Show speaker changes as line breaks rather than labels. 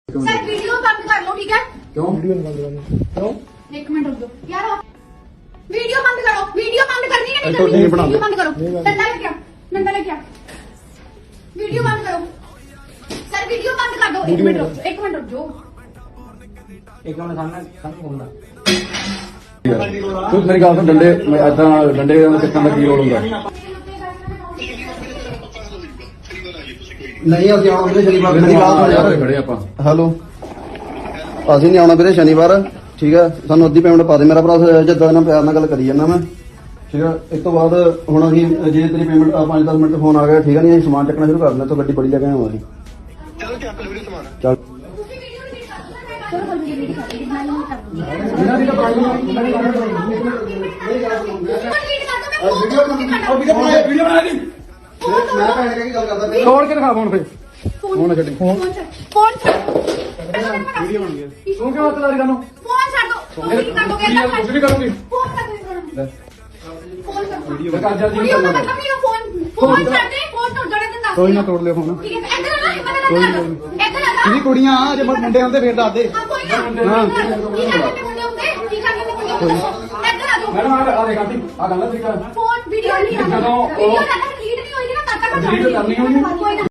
Sir video बंद कर लो ठीक है।
क्यों वीडियो बंद करनी क्यों?
एक मिनट रुक जाओ यार, वीडियो बंद करो। वीडियो बंद करनी है नहीं
तो
करनी?
नहीं बना
वीडियो बंद करो। डंडा लेके आ, डंडा लेके आ। वीडियो बंद करो सर, वीडियो बंद कर दो। एक मिनट रुक जाओ, एक मिनट रुक जाओ।
एक मिनट सामने घूमना तू मेरी गल सुन डंडे ऐसा डंडे सिक्खण का की रोल होंगे
नहीं ਅਸੀਂ ਆਉਣਾ ਵੀਰੇ ਸ਼ਨੀਵਾਰ
खड़े ਆਪਾਂ
ਹੈਲੋ ਅਸੀਂ ਨਹੀਂ ਆਉਣਾ ਵੀਰੇ ਸ਼ਨੀਵਾਰ ਠੀਕ ਹੈ ਸਾਨੂੰ ਅੱਧੀ ਪੇਮੈਂਟ ਪਾ ਦੇ ਮੇਰਾ ਭਰਾ ਜਿੱਦਾਂ ਇਹਨਾਂ ਪਿਆਰ ਨਾਲ ਗੱਲ ਕਰੀ ਜਾਂਦਾ ਮੈਂ ਠੀਕ ਹੈ ਇਸ ਤੋਂ ਬਾਅਦ ਹੁਣ ਅਸੀਂ ਜੇ ਤੇਰੀ ਪੇਮੈਂਟ 5-10 ਮਿੰਟ ਫੋਨ ਆ ਗਿਆ ਠੀਕ ਹੈ ਨਹੀਂ ਅਸੀਂ ਸਮਾਨ ਚੱਕਣਾ ਸ਼ੁਰੂ ਕਰ ਦਿੰਦੇ ਤੋਂ ਗੱਡੀ ਬੜੀ ਲੈ ਕੇ ਆਵਾਂਗੇ
ਚਲੋ ਚੱਕ ਲਓ ਵੀਰੇ ਸਮਾਨ
ਚੱਲ
ਤੁਸੀਂ ਵੀਡੀਓ ਨਹੀਂ ਕਰ ਸਕਦੇ, ਮੈਂ ਵੀਡੀਓ ਨਹੀਂ ਕਰ ਰਹੀ, ਮੈਂ ਨਹੀਂ ਕਰ ਰਹੀ।
ਇਹਨਾਂ ਦੀ ਤਾਂ
ਵੀਡੀਓ ਕਰ ਦੋ, ਮੈਂ
ਵੀਡੀਓ ਬਣਾ ਦੀ
ਮੈਂ ਭੈਣ ਕੇ ਕੀ ਗੱਲ ਕਰਦਾ ਪਿਆ
ਤੋੜ ਕੇ ਦਿਖਾ ਫੋਨ ਫੇ
ਫੋਨ ਛੱਡ, ਫੋਨ ਛੱਡ।
ਵੀਡੀਓ ਬਣ ਗਈ ਤੂੰ ਕਿਉਂ ਹੱਥ ਲਾ ਰਹੀ ਤੁਹਾਨੂੰ
ਫੋਨ ਛੱਡ ਦੋ, ਤੁਸੀਂ ਕੀ ਕਰ ਦੋਗੇ?
ਕੁਝ ਵੀ ਕਰੂੰਗੀ
ਫੋਨ ਕਰ ਦੋ, ਫੋਨ ਕਰ ਦੋ।
ਵੀਡੀਓ ਕਰ ਜਲਦੀ
ਵੀਡੀਓ ਦਾ ਮਤਲਬ ਨਹੀਂ ਫੋਨ ਛੱਡ ਦੇ, ਫੋਨ ਤੋੜ ਜਾਣਾ ਤੈਨੂੰ।
ਕੋਈ ਨਾ ਤੋੜ ਲਿਓ ਫੋਨ
ਠੀਕ ਹੈ ਇੱਧਰ ਆ ਨਾ, ਇੱਧਰ ਆ ਨਾ।
ਇਹਦੀ ਕੁੜੀਆਂ ਜੇ ਮੁੰਡੇ ਹੁੰਦੇ ਫੇਰ ਦੱਸ ਦੇ
ਹਾਂ ਕੋਈ ਨਾ। ਕੀ ਕਰਦੇ ਮੁੰਡੇ ਹੁੰਦੇ? ਕੀ ਕਰਦੇ ਮੁੰਡੇ ਹੁੰਦੇ? ਇੱਧਰ ਆ ਜਾਓ।
ਮੈਡਮ ਆ ਦੇਖ ਆਂਟੀ ਆ ਗੱਲ ਤਰੀਕਾ
ਫੋਨ ਵੀਡੀਓ ਨਹੀਂ ਆ।
ਜਦੋਂ ਉਹ-
ਵੀਡੀਓ ਸਾਡਾ ਡਿਲੀਟ ਨਹੀਂ ਹੋਏਗੀ ਨਾ, ਤਦ ਤੱਕ
delete ਕਰਨੀ ਹੋਣੀ।
ਕੋਈ ਨਾ।